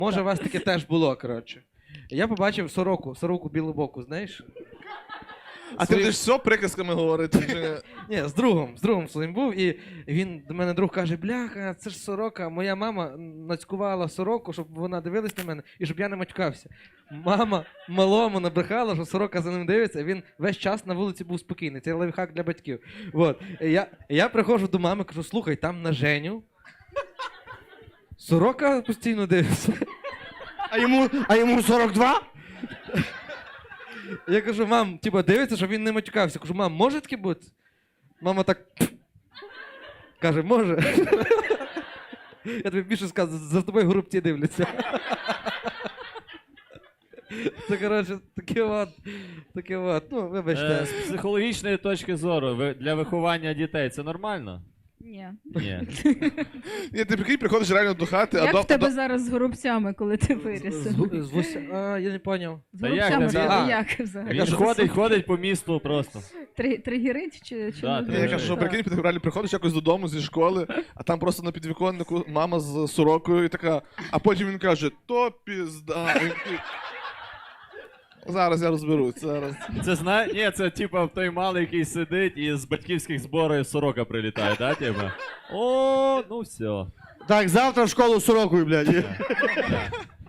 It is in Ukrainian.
Може, у вас таке теж було, коротше. Я побачив сороку білобоку, знаєш? А ти будеш все приказками говорити? Чи... Ні, з другом своїм був, і він до мене друг каже, бляха, це ж сорока, моя мама нацькувала сороку, щоб вона дивилась на мене, і щоб я не матюкався. Мама малому набрехала, що сорока за ним дивиться, і він весь час на вулиці був спокійний, це лайфхак для батьків. Вот. Я приходжу до мами, кажу, слухай, там на Женю сорока постійно дивиться. А йому 42? Я кажу, мам, типа, дивиться, щоб він не матюкався. Кажу, мам, може таке бути? Мама так каже, може. Я тобі більше скажу, за тобою горобці дивляться. Це, коротше, таке от. Ну, вибачте. З психологічної точки зору, для виховання дітей це нормально? Ні. Ні. Ні, ти прикинь, приходиш реально до хати, Як в тебе зараз з горобцями, коли ти виріс? Я не поняв. З Та як горобцями там це він? як взагалі? Він ходить по місту просто. Тригерить чи Да, Я кажу, що прикинь, ти реально приходиш якось додому зі школи, а там просто на підвіконнику мама з сорокою і така, а потім він каже, то пізда. І такий, зараз я розберусь, зараз. Ні, це типа той малий, який сидить і з батьківських зборів сорока прилітає, да, типа? О, ну все. Так, завтра в школу з сорокою, блядь.